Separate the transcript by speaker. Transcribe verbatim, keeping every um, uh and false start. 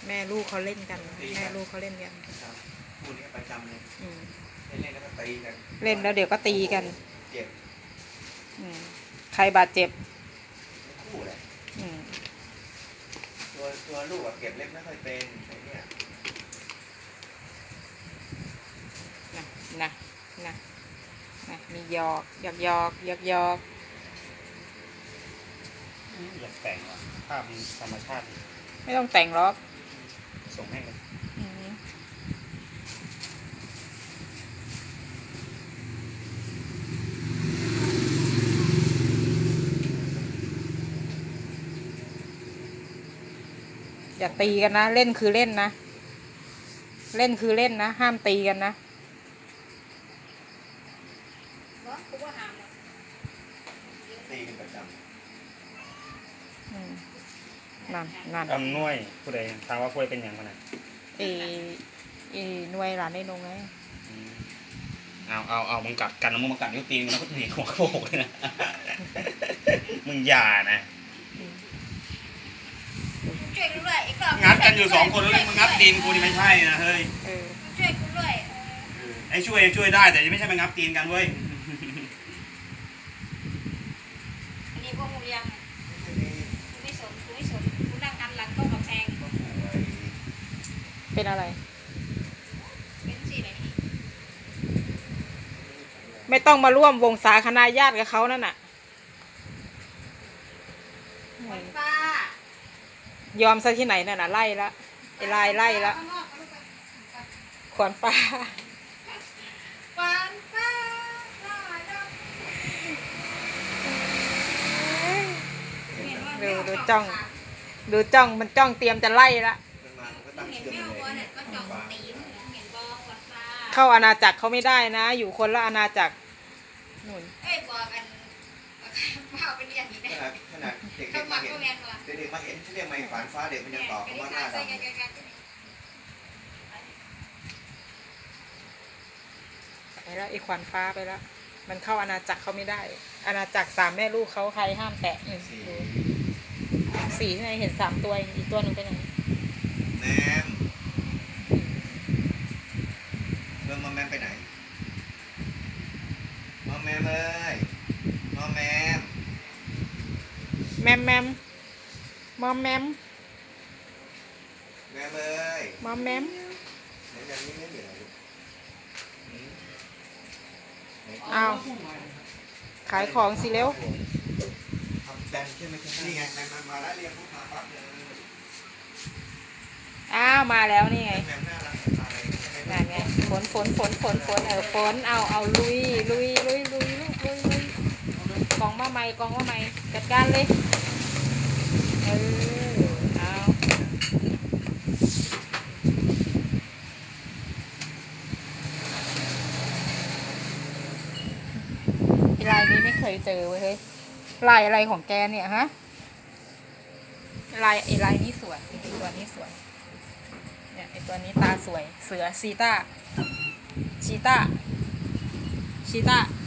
Speaker 1: แม่ลูกเขาเล่นกันแม่ลูกเขาเล่นกัน
Speaker 2: คู่นี้ประจำเลยเล่นแล้วก็ตีกัน
Speaker 1: เล่นแล้วเดี๋ยวก็ตีกัน
Speaker 2: เจ็บ
Speaker 1: ใครบาดเจ็บ
Speaker 2: คู่แหละตัวตัวลูกเก็บเล็บไม่ค่อยเป็นไอ้เนี่ย
Speaker 1: นะนะนะนะมีหยอกหยอกหยอกหยอกหยอก
Speaker 3: อยากแต่งว่ะภาพธรรมชาติ
Speaker 1: ไม่ต้องแต่งหรอก
Speaker 3: ส่งให้เลย
Speaker 1: อย่าตีกันนะเล่นคือเล่นนะเล่นคือเล่นนะห้ามตีกันนะ
Speaker 2: ตีกันประจำ
Speaker 1: นั่นนั่น
Speaker 3: อำนวยผู้ใดถามว่าผู้ใดเป็นอย่างไร
Speaker 1: เอเอหน่วยหลานในนงไง
Speaker 3: เอาเอาเอามึงกัดกันแล้วมึงมากัดนิ้วตีนมึงแล้วก็หนีหัวกระโปงเลยนะมึงอย่านะงัดกันอยู่สองคนแล้วมึงงัดตีนกูนี่ไม่ใช่นะเฮ้ย
Speaker 1: ช่วยกูด้วย
Speaker 3: ไอ้ช่วยช่วยได้แต่ยังไม่ใช่มางับตีนกันเว้ย
Speaker 4: อันนี้พวกมึงยังไม่สนกูไม่สนกูนั่งกันหลังต้องกับแพง
Speaker 1: เป็นอะไร
Speaker 4: เป็นสิไหน
Speaker 1: ไม่ต้องมาร่วมวงสาคณะญาติกับเขานั่นน่ะ
Speaker 4: ฟ้าย
Speaker 1: อมซะที่ไหนนั่นน่ะไล่ละไอ้ลายไล่ละขวานฟ้า
Speaker 4: ขวานฟ้า
Speaker 1: ดูดูจ้องดูจ้องมันจ้องเตรียมจะไล่ละเข้าอาณาจักรเขาไม่ได้นะอยู่คนละอาณาจักรนู่น
Speaker 4: เอ้ยบอกกันว่าเป็นอย่างนี้นะ
Speaker 2: ขนาดเด็กๆมาเห็นเด็กๆมาเห็นเรียกไม่ขวานฟ้าเด็กมันยังตอบคำว่าหน้าดำ
Speaker 1: ไปแล้วไอ้ขวานฟ้าไปแล้วมันเข้าอาณาจักรเขาไม่ได้อาณาจักรสามแม่ลูกเขาใครห้ามแตะสีที่ไหนเห็นสามตัวอีกตัวหนึ่งไปไหน
Speaker 2: แมมเรื่องมอมแมมไปไหนมอมแมมเลยมอมแมม
Speaker 1: แมมแมมมอมแมม
Speaker 2: แมมเลย
Speaker 1: มอมแมมเอาขายของสิเร็ว
Speaker 2: นี่ไงมาแล้วเรียกลูกค้าปั๊บเลย
Speaker 1: อ้าวมาแล้วนี่ไงนั่นไงฝนฝนฝนฝนฝนเออฝนเอาเอาลุยลุยลุยลุยลุยลุยลุยกองมะไม้กองมะไม้จัดการเลยเออเอาลายนี้ไม่เคยเจอเว้ยเฮ้ยลายอะไรของแกเนี่ยฮะลายไอ้ลายนี้สวยไอ้ตัวนี้สวยเนี่ยไอ้ตัวนี้ตาสวยเสือชีต้าชีต้าชีต้า